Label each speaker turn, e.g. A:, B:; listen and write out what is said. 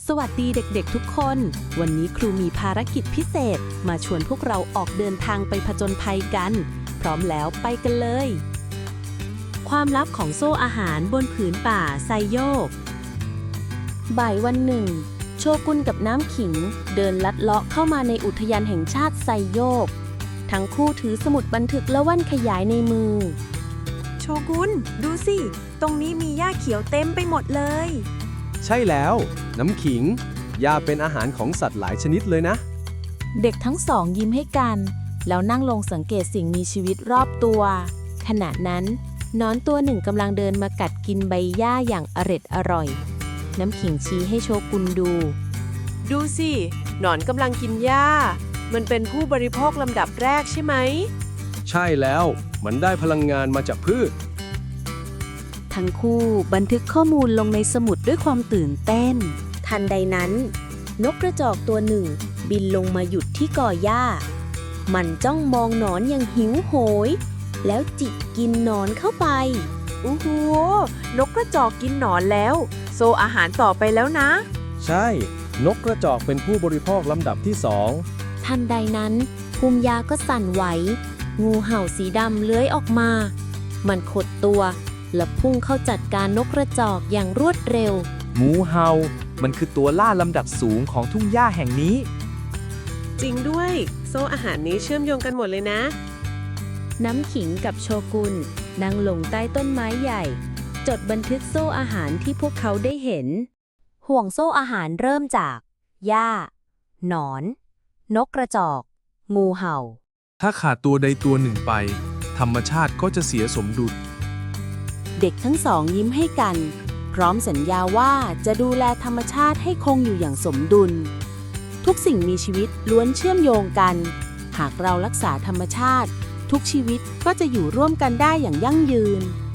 A: สวัสดีเด็กๆทุกคน วันนี้ครูมีภารกิจพิเศษมาชวนพวกเราออกเดินทางไปผจญภัยกัน พร้อมแล้วไปกันเลย ความลับของโซ่อาหารบนผืนป่าไซโยก บ่ายวันหนึ่ง โชกุนกับน้ำขิงเดินลัดเลาะเข้ามาในอุทยานแห่งชาติไซโยก ทั้งคู่ถือสมุดบันทึกและแว่นขยายในมือ
B: โชกุนดูสิ ตรงนี้มีหญ้าเขียวเต็มไปหมดเลย
C: ใช่แล้วน้ำขิงหญ้าเป็นอาหารของสัตว์หลายชนิดเลยนะ
A: เด็กทั้งสองยิ้มให้กัน แล้วนั่งลงสังเกตสิ่งมีชีวิตรอบตัว ขณะนั้นหนอนตัวหนึ่งกำลังเดินมากัดกินใบหญ้าอย่างอร่อย น้ำขิงชี้ให้โชกุนดู
B: ดูสิ หนอนกำลังกินหญ้า มันเป็นผู้บริโภคลำดับแรกใช่ไหม
C: ใช่แล้วมันได้พลังงานมาจากพืช
A: ทั้งคู่บันทึกข้อมูลลงในสมุดด้วยความตื่นเต้น ทันใดนั้น นกกระจอกตัวหนึ่งบินลงมาหยุดที่ก่อหญ้า มันจ้องมองหนอนอย่างหิวโหย แล้วจิกกินหนอนเข้าไป
B: โอ้โห นกกระจอกกินหนอนแล้ว โซอาหารต่อไปแล้วนะ
C: ใช่ นกกระจอกเป็นผู้บริโภคลำดับที่สอง
A: ทันใดนั้นภูมิยาก็สั่นไหว งูเห่าสีดำเลื้อยออกมา มันขดตัวและพุ่งเข้าจัดการนกกระจอกอย่างรวดเร็ว
D: งูเห่ามันคือตัวล่าลำดับสูงของทุ่งหญ้าแห่งนี้
B: จริงด้วย โซอาหารนี้เชื่อมโยงกันหมดเลยนะ
A: น้ำขิงกับโชกุนนั่งลงใต้ต้นไม้ใหญ่ จดบันทึกโซ่อาหารที่พวกเขาได้เห็น ห่วงโซ่อาหารเริ่มจากหญ้า หนอน นกกระจอก งูเห่า
E: ถ้าขาดตัวใดตัวหนึ่งไป ธรรมชาติก็จะเสียสมดุล
A: เด็กทั้งสองยิ้มให้กัน พร้อมสัญญาว่าจะดูแลธรรมชาติให้คงอยู่อย่างสมดุล ทุกสิ่งมีชีวิตล้วนเชื่อมโยงกัน หากเรารักษาธรรมชาติ ทุกชีวิตก็จะอยู่ร่วมกันได้อย่างยั่งยืน